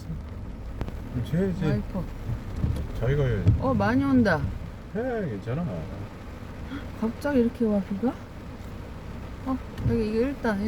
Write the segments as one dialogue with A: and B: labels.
A: 해야지.
B: 와이퍼.
A: 자기가 해야지.
B: 많이 온다.
A: 해, 괜찮아.
B: 갑자기 이렇게 와 비가? 여기 이거 일단.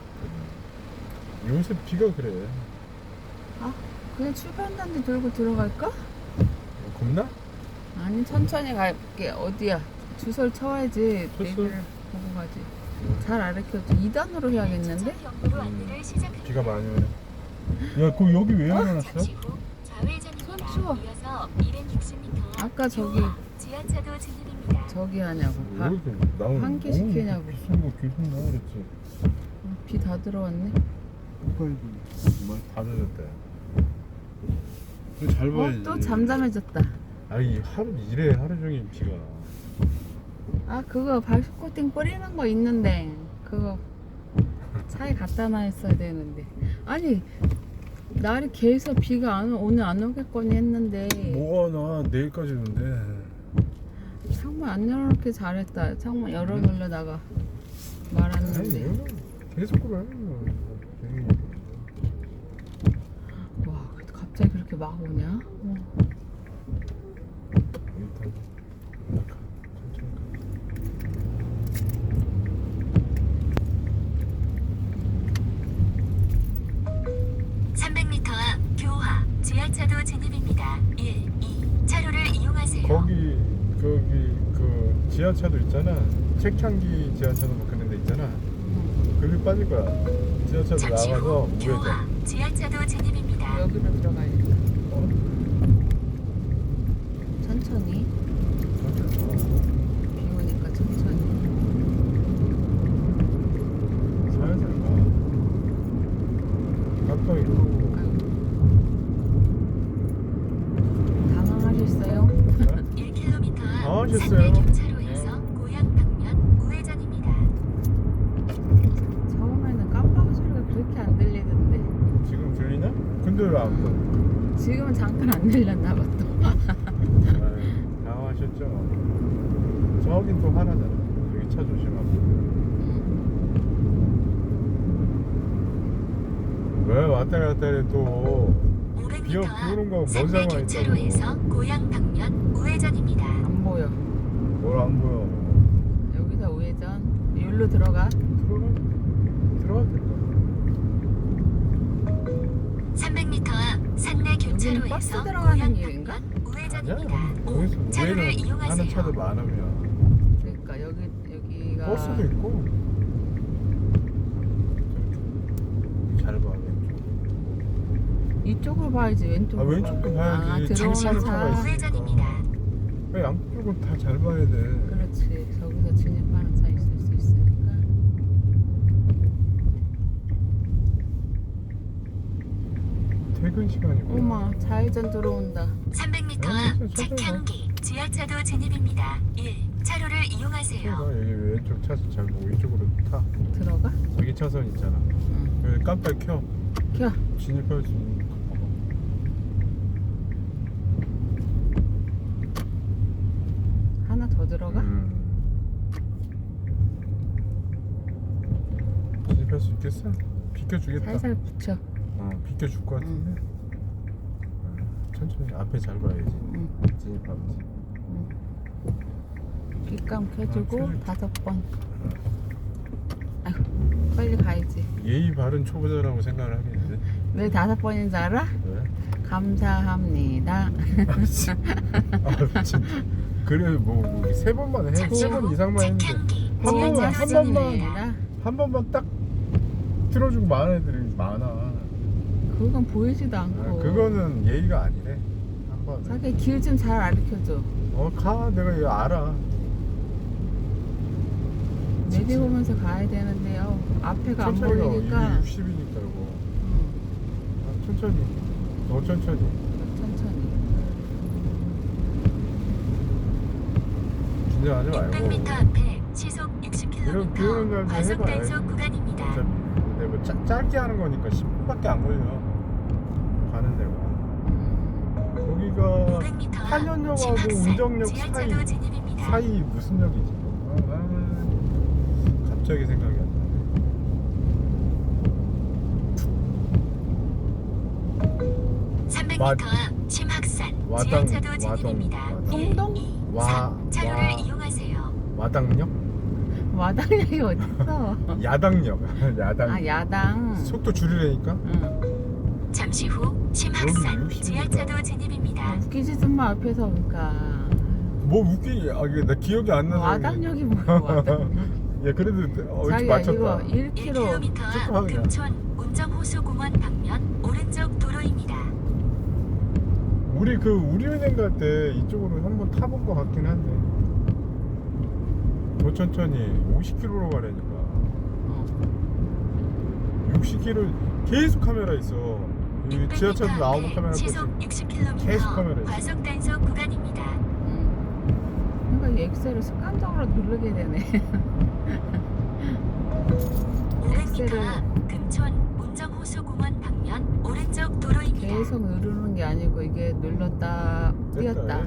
A: 요새 비가 그래.
B: 그냥 출발단지 들고 들어갈까?
A: 겁나?
B: 아니 천천히 갈게. 어디야? 주소를 쳐야지.
A: 쳤어.
B: 내비를 보고 가지. 잘 알려줘. 2단으로 해야겠는데?
A: 비가 많이 오네. 야, 그 여기 왜 열어놨어?
B: 추워. 아까 저기 하냐고.
A: 왜 이렇게 나오는
B: 환기 시키냐고.
A: 비싼 거 계속 나와 그랬지.
B: 비 다 들어왔네.
A: 오빠이도 다 젖었다. 잘 봐야지.
B: 또 잠잠해졌다.
A: 아이 하루 종일 비가.
B: 그거 발수 코팅 뿌리는 거 있는데 그거 차에 갖다 놔있어야 되는데. 아니 날이 계속 비가 오늘 안 오겠거니 했는데
A: 뭐가 나 내일까지 오는데.
B: 창문 안 열어놓게 잘했다. 창문 열어놓으려다가 말았는데.
A: 계속 그래.
B: 와 갑자기 그렇게 막 오냐?
A: 일단 천천히 가.
C: 300m 앞 교화 지하차도 진입입니다. 1, 2 차로를 이용하세요.
A: 거기 그 지하차도 있잖아. 책향기 지하차도 뭐 그런 데 있잖아. 거기 빠질 거야. 지하차도
C: 잠시
A: 나가서
C: 후 교화
A: 우회전.
C: 지하차도 진입입니다.
B: 여기로 들어가야겠다. 천천히. 비 오니까 천천히.
A: 살살 가. 깜빡이 끄고.
B: 당황하셨어요?
C: 1km 앞
A: 당황하셨어요?
C: 산내 교차로에서 고향 방면 우회전입니다.
B: 처음에는 깜빡이 소리가 그렇게 안 들리던데
A: 지금 들리냐? 근데 왜 안 보여?
B: 지금은 잠깐 안 들렸나 봐 또.
A: 아유, 당황하셨죠? 저긴 또 하나잖아. 여기 차 조심하고. 왜 왔다 갔다 해 또.
C: 500m
A: 비 오는 거
C: 앞
A: 뭔
C: 산내
A: 상관이
C: 교차로에서
A: 있다고.
C: 고향 방면 우회전입니다.
B: 안 보여.
A: 뭘 안 보여.
B: 여기서 우회전. 여기로 들어가.
A: 들어가도 될까?
C: 300m 앞 산내
B: 버스
C: 교차로에서
B: 들어가는
C: 고향
B: 길인가?
C: 방면
A: 아니야.
C: 우회전입니다.
A: 거기서
C: 5 차로를
A: 우회는
C: 이용하세요.
A: 하는 차도 많으면.
B: 그러니까 여기가
A: 버스도 있고. 잘 봐.
B: 이쪽으로 봐야지. 왼쪽으로.
A: 왼쪽도 봐야지.
B: 들어오는
A: 진입하는 차가
B: 차.
A: 있어.
C: 우회전입니다.
A: 왜 양쪽은 다 잘 봐야 돼.
B: 그렇지. 저기서 진입하는 차 있을 수 있으니까.
A: 퇴근 시간이고.
B: 어머, 좌회전 들어온다.
C: 300m 앞 책향기 지하차도 진입입니다. 1 차로를 이용하세요.
A: 여기 왼쪽 차선 잘 보고 이쪽으로 타.
B: 들어가?
A: 여기 차선 있잖아.
B: 응.
A: 여기 깜빡 켜.
B: 켜.
A: 진입할 수 있는 거 봐봐.
B: 하나 더 들어가?
A: 진입할 수 있겠어? 비켜주겠다.
B: 살살 붙여.
A: 비켜줄 것 같은데. 천천히 앞에 잘 봐야지.
B: 응.
A: 진입하면서.
B: 빗감 켜주고
A: 켜줄게.
B: 5번. 아이고, 빨리 가야지.
A: 예의 바른 초보자라고 생각을 하겠는데.
B: 왜 5번인 줄 알아?
A: 왜?
B: 감사합니다.
A: 진짜. 그래 뭐3 번만 해.
C: 잠시
A: 3번
C: 후
A: 이상만 했는데
C: 책향기
A: 한 번만
C: 지하차도
A: 한 번만
C: 진입입니다.
A: 한 번만 딱 틀어주고 많은 애들이 많아.
B: 그건 보이지도 않고.
A: 그거는 예의가 아니래. 한 번.
B: 자기 길 좀 잘 알려줘.
A: 가. 내가 이거 알아.
B: 내려보면서 가야 되는데요. 앞에가 안 보이니까.
A: 60이니까 이거. 천천히. 더 천천히.
B: 천천히.
A: 긴장하지 말고.
C: 600m 앞에 시속
A: 이런 비 오는
C: 60km
A: 날도
C: 과속
A: 해봐요.
C: 단속 구간입니다.
A: 어차피 근데 뭐 짧게 하는 거니까 10분밖에 안 걸려. 가는 데가. 거기가
C: 500m 앞
A: 한현역하고
C: 신학산
A: 운정역
C: 지하차도 진입입니다.
A: 사이 무슨 역이지? 갑자기 생각이 안 나.
C: 500m
A: 와-
C: 앞 심학산
A: 와당,
C: 지하차도 진입입니다.
A: 와당.
B: 풍동?
C: 1, 2,
A: 와-
C: 3 차로를
A: 와-
C: 이용하세요.
A: 와당역?
B: 마당역이 어딨어?
A: 야당역. 야당.
B: 아 야당.
A: 속도 줄이려니까?
B: 응.
C: 잠시 후 심학산
A: 여기 60m.
C: 지하차도 진입입니다.
B: 웃기지 좀 마 앞에서 그러니까.
A: 뭐 웃기게. 아, 이게 나 기억이 안 나서.
B: 와당역이 뭐야 와당.
A: 야, 그래도 어디
B: 자기야
A: 맞췄다.
B: 이거 1km
C: 1km 앞
A: 조금 하냐.
C: 금촌 운정호수공원 방면 오른쪽 도로입니다.
A: 우리 그 우리은행 갈 때 이쪽으로 한번 타본 것 같긴 한데. 더 천천히 50km로 가려니까. 60km 계속 카메라 있어. 이
C: 600m
A: 지하철도 나오고
C: 앞에
A: 카메라
C: 시속
A: 있고.
C: 60km
A: 계속 카메라 있어.
C: 과속 단속 구간입니다.
B: 그러니까 이 엑셀을 습관적으로 누르게 되네.
C: 500m
B: 엑셀을
C: 앞 금촌 운정호수공원 방면 오른쪽 도로입니다.
B: 계속 누르는 게 아니고 이게 눌렀다 띄었다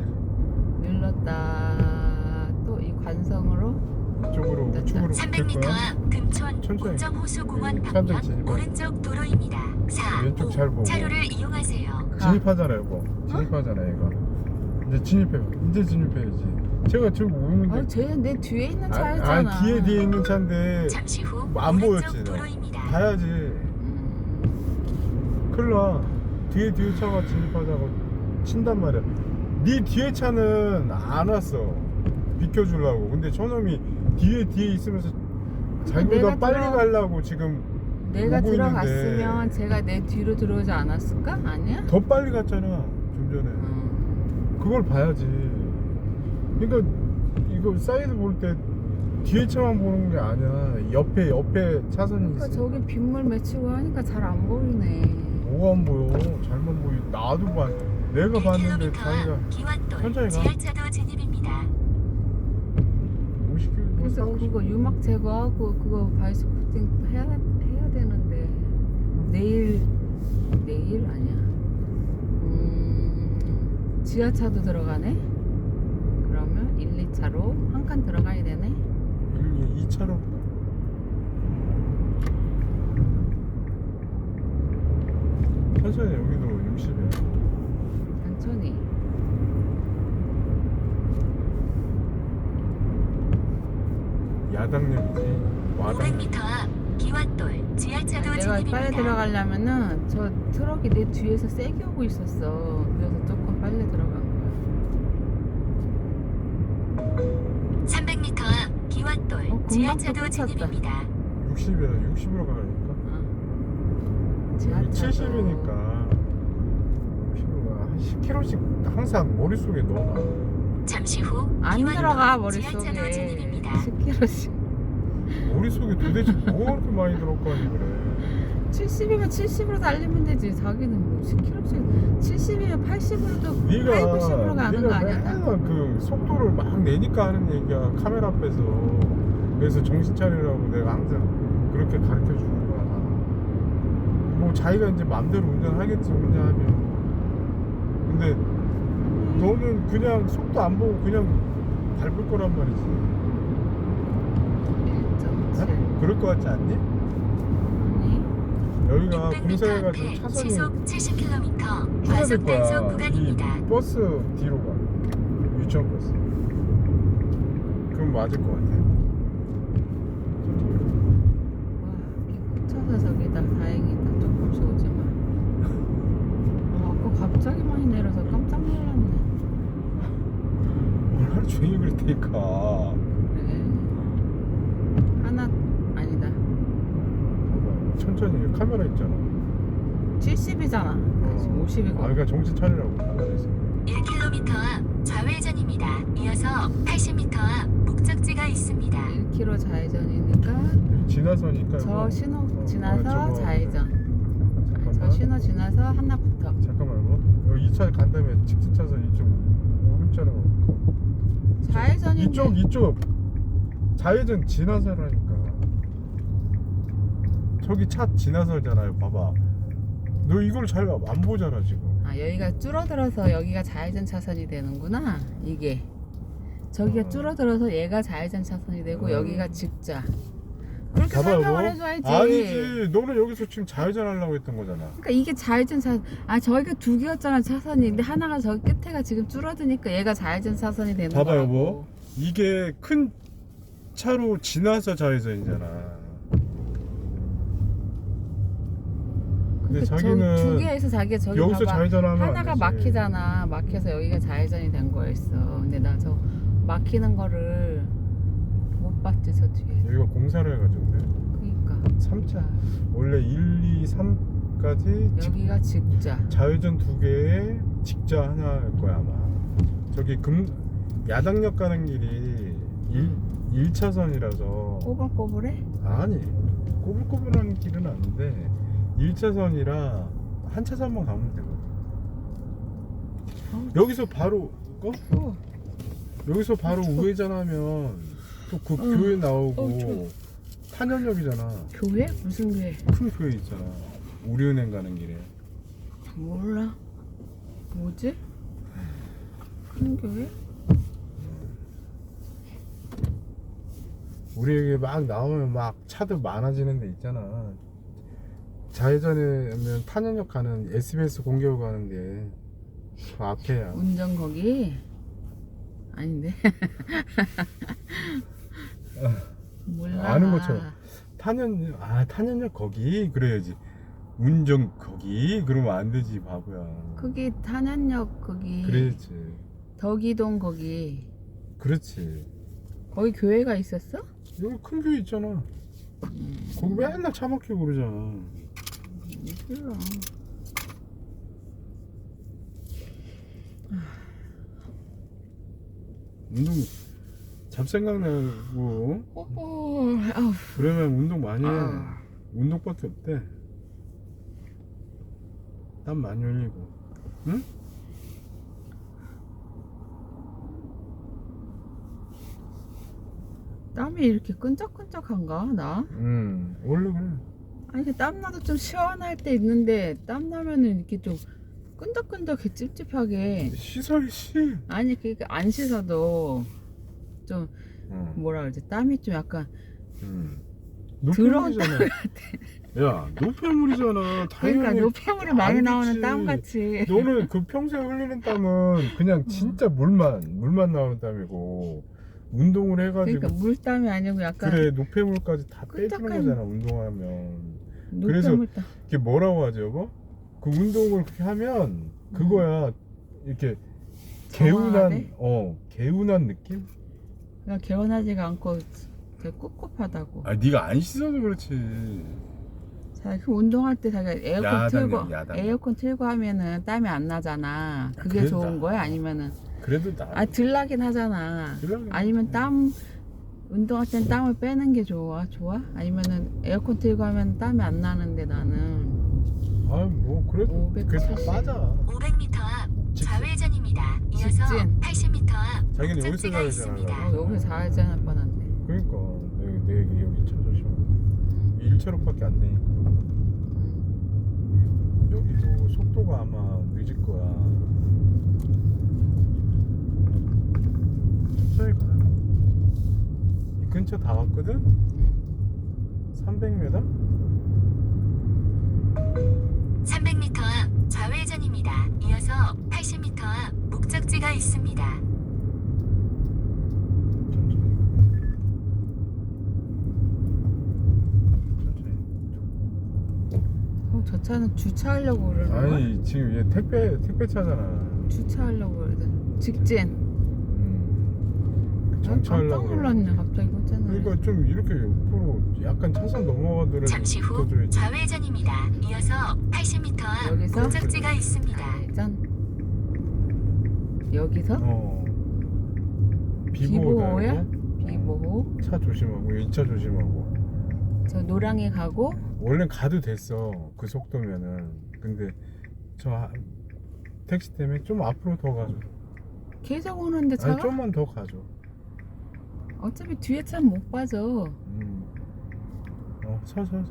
B: 눌렀다 또 이 관성으로
A: 이쪽으로
B: 됐다.
A: 우측으로 붙을
C: 300m
A: 거야.
C: 앞 금촌
A: 천천히.
C: 운정호수공원
A: 여기
C: 방면
A: 차들 진입해.
C: 오른쪽 도로입니다. 4,
A: 왼쪽
C: 5
A: 잘 보고.
C: 차로를 이용하세요.
A: 진입하잖아 이거. 진입하잖아 이거. 이제 진입해. 이제 진입해야지. 제가 지금 오는데.
B: 쟤내 뒤에 있는 차였잖아.
A: 뒤에 있는 차인데
C: 잠시 후
A: 안
C: 오른쪽
A: 보였지, 너.
C: 도로입니다.
A: 봐야지. 큰일 나. 뒤에 차가 진입하자고 친단 말이야. 네 뒤에 차는 안 왔어. 비켜주려고. 근데 저놈이 뒤에 있으면서 자기보다
B: 내가
A: 빨리
B: 들어-
A: 가려고 지금
B: 내가
A: 오고
B: 들어갔으면
A: 있는데
B: 제가 내 뒤로 들어오지 않았을까? 아니야?
A: 더 빨리 갔잖아 좀 전에. 그걸 봐야지. 그러니까 이거 사이드 볼 때 뒤에 차만 보는 게 아니야. 옆에 차선이
B: 그러니까
A: 있어.
B: 저기 빗물 맺히고 하니까 잘 안 보이네.
A: 뭐가 안 보여? 잘만 보이. 나도 봐. 내가 봤는데
C: 1km
A: 자기가
C: 앞 기완돌
A: 천천히 가.
C: 지하차도 진입입니다.
A: 50km
B: 그래서 그거 유막 제거하고 그거 바이스코팅 해야 되는데 내일 아니야. 지하차도 들어가네. 그러면 1, 2차로 한 칸 들어가야 되네.
A: 2차로. 천천히. 여기도 60이야.
B: 천천히.
A: 야당역이지. 와당.
C: 500m 앞 기완돌 지하차도
B: 내가
C: 진입입니다.
B: 빨리 들어가려면은 저 트럭이 내 뒤에서 세게 오고 있었어. 그래서 조금 빨리 들어간 거야.
C: 300m 앞 기완돌
B: 금방
C: 지하차도
B: 또 꽂혔다.
C: 진입입니다.
A: 60이야. 60으로 가니까.
B: 지하차도
A: 70이니까 60으로 가. 한 10km씩 항상 머릿속에 넣어놔.
C: 잠시 후
B: 안
C: 기완돌
B: 들어가
C: 지하차도
B: 머릿속에.
C: 진입입니다.
B: 10km씩.
A: 머릿속에 도대체 뭐 그렇게 많이 들었거니 그래.
B: 70이면 70으로 달리면 되지. 자기는 뭐 10km씩 70이면 80으로도
A: 네가
B: 80으로 가는 거 아니야? 나?
A: 맨날 그 속도를 막 내니까 하는 얘기야. 카메라 앞에서. 그래서 정신 차리라고 내가 항상 그렇게 가르쳐 주는 거야. 뭐 자기가 이제 맘대로 운전하겠지 운전하면. 근데 너는 그냥 속도 안 보고 그냥 밟을 거란 말이지.
B: 1.7.
A: 어? 그럴 거 같지 않니?
B: 아니.
A: 여기가
C: 600m
A: 공사해가지고
C: 앞에
A: 차선이
C: 시속 70km
A: 추가될
C: 과속
A: 거야.
C: 단속
A: 이
C: 구간입니다.
A: 버스 뒤로 가. 유치원 버스. 그럼 맞을 것 같아.
B: 와, 비 꽂혀서 저기다. 다행이다. 조금씩 오지만. 아까 갑자기 많이 내려서 깜짝 놀랐네.
A: 오늘 하루 종일 그럴 테니까.
B: 그래. 하나 아니다.
A: 천천히 카메라 있잖아.
B: 70이잖아. 지금 50이고.
A: 아, 그러니까 정신 차리라고 카메라 있어.
C: 1km 앞 좌회전입니다. 이어서 80m 앞 목적지가 있습니다.
B: 1km 좌회전이니까
A: 지나서니까.
B: 저
A: 이거.
B: 신호
A: 어,
B: 지나서
A: 저거.
B: 좌회전.
A: 잠깐만.
B: 저 신호 지나서 하나부터.
A: 잠깐만 뭐. 여기 2차 간 다음에 직진 차선 이쪽 오른쪽으로.
B: 좌회전인데
A: 이쪽 좌회전 지나서라니까. 저기 차 지나서잖아요. 봐봐. 너 이걸 잘 안 보잖아 지금.
B: 아 여기가 줄어들어서 여기가 좌회전 차선이 되는구나. 이게 저기가 줄어들어서 얘가 좌회전 차선이 되고 여기가 직자. 그렇게
A: 봐봐
B: 설명을
A: 여보.
B: 해줘야지.
A: 아니지. 너는 여기서 지금 좌회전 하려고 했던 거잖아.
B: 그러니까 이게 좌회전 차선. 아 저기가 두 개였잖아 차선이. 근데 하나가 저기 끝에가 지금 줄어드니까 얘가 좌회전 차선이 되는
A: 봐봐
B: 거라고.
A: 여보. 이게 큰 차로 지나서 좌회전이잖아. 근데
B: 그러니까
A: 자기는
B: 두 개에서 자기가 저기
A: 여기서
B: 봐봐.
A: 좌회전하면 안
B: 하나가
A: 되지.
B: 막히잖아. 막혀서 여기가 좌회전이 된 거였어. 근데 나 저 막히는 거를 못 봤지 저 뒤에.
A: 여기가 공사를 해가지고 그래.
B: 그러니까
A: 3차 원래 1, 2, 3까지
B: 여기가 직자.
A: 좌회전 두 개에 직자 하나일 거야 아마. 저기 야당역 가는 길이 1차선이라서
B: 꼬불꼬불해?
A: 아니 꼬불꼬불한 길은 아닌데 1차선이라 한 차선만 가면 되거든. 여기서 바로
B: 추워.
A: 여기서 바로
B: 추워.
A: 우회전하면 또 그 교회 나오고
B: 추워.
A: 탄현역이잖아.
B: 교회? 무슨 교회?
A: 큰 교회 있잖아. 우리은행 가는 길에.
B: 몰라. 뭐지? 큰 교회?
A: 우리 여기 막 나오면 막 차들 많아지는 데 있잖아. 좌회전하면 탄현역 가는 SBS 공개로 가는데 그 앞에야.
B: 운전 거기? 아닌데. 몰라.
A: 아는 것처럼. 탄현역 거기 그래야지. 운전 거기 그러면 안 되지 바보야.
B: 거기 탄현역 거기.
A: 그렇지.
B: 덕이동 거기.
A: 그렇지.
B: 거기 교회가 있었어?
A: 여기 큰 교회 있잖아. 거기 맨날 차 막히고 그러잖아.
B: 몰라.
A: 운동 잡생각 나고
B: 아우.
A: 그러면 운동 많이 해.
B: 아.
A: 운동밖에 없대. 땀 많이 흘리고. 응?
B: 땀이 이렇게 끈적끈적한가 나?
A: 원래 그래.
B: 아니 그 땀나도 좀 시원할 때 있는데 땀나면은 이렇게 좀 끈적끈적해 찝찝하게.
A: 씻어야지.
B: 아니 그러니까 안 씻어도 좀
A: 응.
B: 뭐라 그러지 땀이 좀 약간 더러운
A: 노폐물이잖아. 야, 노폐물이잖아.
B: 그러니까
A: 당연히
B: 노폐물이 많이
A: 안
B: 나오는
A: 좋지.
B: 땀 같이.
A: 너는 그 평소에 흘리는 땀은 그냥 진짜 물만 나오는 땀이고 운동을 해가지고
B: 그러니까 물땀이 아니고 약간
A: 그래 노폐물까지 다 빼주는
B: 끈적한
A: 거잖아 운동하면. 그래서
B: 노폐물 땀.
A: 이게 뭐라고 하죠 여보? 그 운동을 그렇게 하면 그거야 이렇게
B: 정화하네?
A: 개운한 느낌?
B: 그냥 개운하지가 않고 되게 꿉꿉하다고.
A: 아 네가 안 씻어서 그렇지.
B: 자, 그 운동할 때 자기가 에어컨
A: 야당이야,
B: 틀고
A: 야당.
B: 에어컨 틀고 하면은 땀이 안 나잖아. 그게
A: 그래도
B: 좋은
A: 나.
B: 거야? 아니면은
A: 그래도 나
B: 덜 나긴 하잖아.
A: 덜 나긴
B: 아니면
A: 하지.
B: 땀 운동할 땐 땀을 빼는 게 좋아? 아니면은 에어컨 틀고 하면 땀이 안 나는데 나는
A: 뭐 그래도 그게 다
B: 570.
A: 빠져.
C: 500m 앞 좌회전입니다. 이어서
B: 직진.
C: 80m 앞
A: 자기는 여기서
C: 목적지가
A: 좌회전하려고.
C: 있습니다.
B: 여기 좌회전 할 뻔한데.
A: 그러니까 내 여기 차 조심하고 1차로밖에 안 되니까 여기도 속도가 아마 늦을 거야. 천천히 가. 이 근처 다 왔거든? 300m?
C: 300m 앞 좌회전입니다. 이어서 80m 앞 목적지가 있습니다.
A: 천천히.
B: 저 차는 주차하려고 그러는 거야?
A: 아니 지금 얘 택배 차잖아.
B: 주차하려고 그러든. 직진. 난 깜짝
A: 정차하려고.
B: 놀랐네 갑자기 그랬잖아.
A: 그러니까 좀 이렇게 옆으로 약간 차선 넘어가더라도
C: 잠시 후
A: 붙어줘야지.
C: 좌회전입니다. 이어서 80m 앞
B: 여기서?
C: 목적지가 있습니다.
B: 좌회전. 여기서?
A: 비보호야?
B: 비보호야? 비보호.
A: 차 조심하고 2차 조심하고.
B: 저 노량이 가고
A: 원래 가도 됐어 그 속도면은. 근데 택시 때문에 좀 앞으로 더 가줘.
B: 계속 오는데
A: 아니
B: 차가?
A: 좀만 더 가줘.
B: 어차피 뒤에 차는 못 빠져.
A: 서서.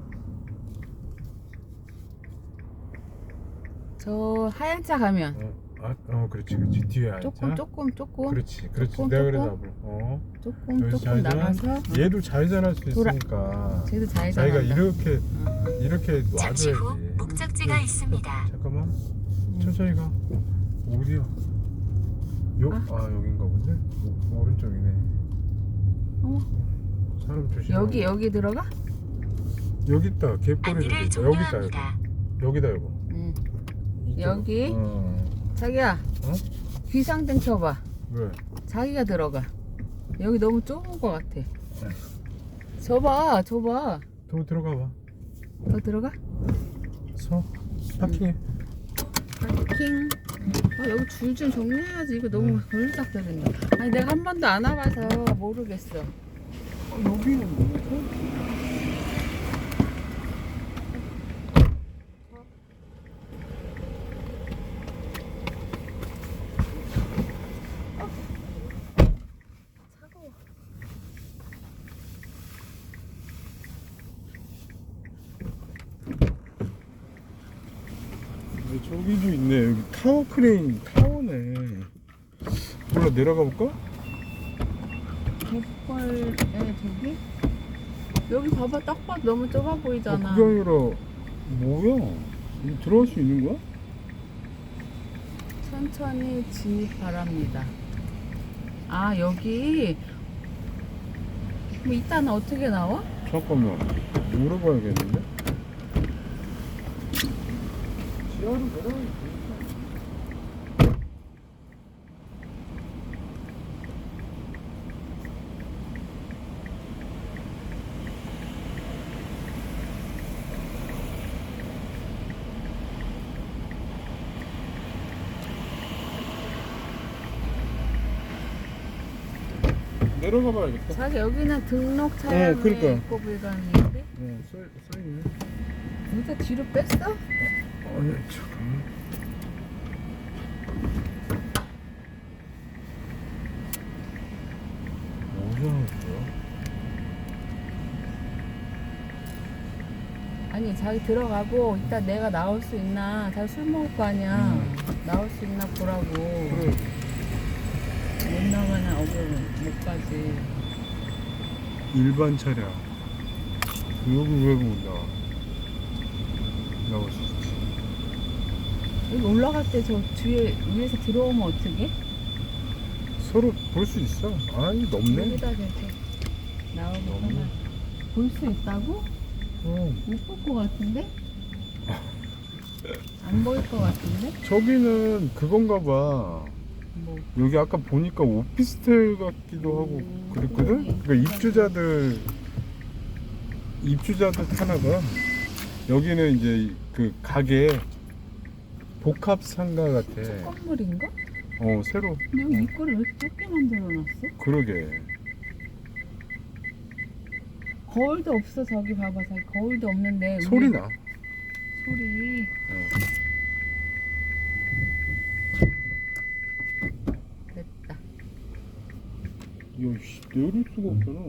B: 저 하얀 차 가면
A: 그렇지 그렇지 뒤에 앉아.
B: 조금
A: 그렇지
B: 조금,
A: 내가 그래서
B: 조금.
A: 앞으로
B: 조금
A: 여기서 좌회전.
B: 나가서
A: 얘도 좌회전할 수
B: 돌아.
A: 있으니까
B: 쟤도 좌회전
A: 자기가
B: 한다.
A: 이렇게
C: 잠시 후
A: 놔줘야지.
C: 목적지가
A: 응.
C: 있습니다.
A: 잠깐만 천천히 가. 어디야? 여긴가 본데? 오른쪽이네.
B: 어머.
A: 사람 조심.
B: 여기 들어가?
A: 여기 있다. 개꼬리를
C: 안내를
A: 들자. 여기 있다 여기.
C: 종료합니다.
A: 여기다 여보.
B: 응.
A: 이쪽.
B: 여기?
A: 어.
B: 자기야
A: 어?
B: 귀상등 켜봐.
A: 왜?
B: 자기가 들어가. 여기 너무 좁은 것 같아. 줘봐.
A: 더 들어가 봐.
B: 더 들어가?
A: 파킹해.
B: 파킹. 여기 줄 좀 정리해야지. 이거 너무 걸리적거린다. 아니 내가 한 번도 안 와봐서 모르겠어.
A: 여기는 뭐지?
B: 차가워.
A: 저기도 있네. 여기 타워 크레인 타워네. 몰라 내려가 볼까?
B: 갯벌에 저기? 여기 봐봐. 딱 봐도 너무 좁아 보이잖아.
A: 그게 아니라 뭐야? 여기 들어갈 수 있는 거야?
B: 천천히 진입 바랍니다. 여기. 그럼 이따는 어떻게 나와?
A: 잠깐만 물어봐야겠는데? 지하로 내려가야지. 내려가 봐야겠다.
B: 자기 여기는 등록 차량에
A: 그러니까.
B: 입고 불가능인데?
A: 써있네.
B: 여기다 뒤로 뺐어?
A: 아니 잠깐만. 뭐야?
B: 아니 자기 들어가고 이따 내가 나올 수 있나. 자기 술 먹을 거 아니야. 나올 수 있나 보라고.
A: 그래.
B: 못 나가나 못 가지.
A: 일반 차량. 여기 왜 못 나와? 나올 수 있지.
B: 여기 올라갈 때 저 뒤에 위에서 들어오면 어떡해?
A: 서로 볼 수 있어. 아니 넓네.
B: 여기다 대고 나오면
A: 너무.
B: 볼 수 있다고? 못 볼 것 같은데? 안 보일 것 같은데?
A: 저기는 그건가 봐.
B: 뭐
A: 여기 아까 보니까 오피스텔 같기도 하고 그랬거든?
B: 그러네.
A: 그러니까 입주자들 타나봐. 여기는 이제 그 가게 복합 상가 같아.
B: 건물인가?
A: 새로.
B: 근데 여기 입구를 왜 이렇게 좁게 만들어놨어?
A: 그러게.
B: 거울도 없어. 저기 봐봐. 저기 거울도 없는데
A: 소리
B: 우리-
A: 나.
B: 소리. 됐다.
A: 야, 씨, 내릴 수가 없잖아.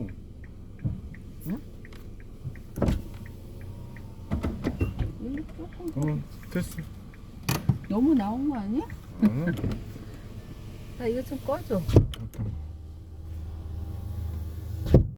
B: 여기 조금
A: 됐어.
B: 너무 나온 거 아니야?
A: 어,
B: 나 이거 좀 꺼줘.
A: 잠깐.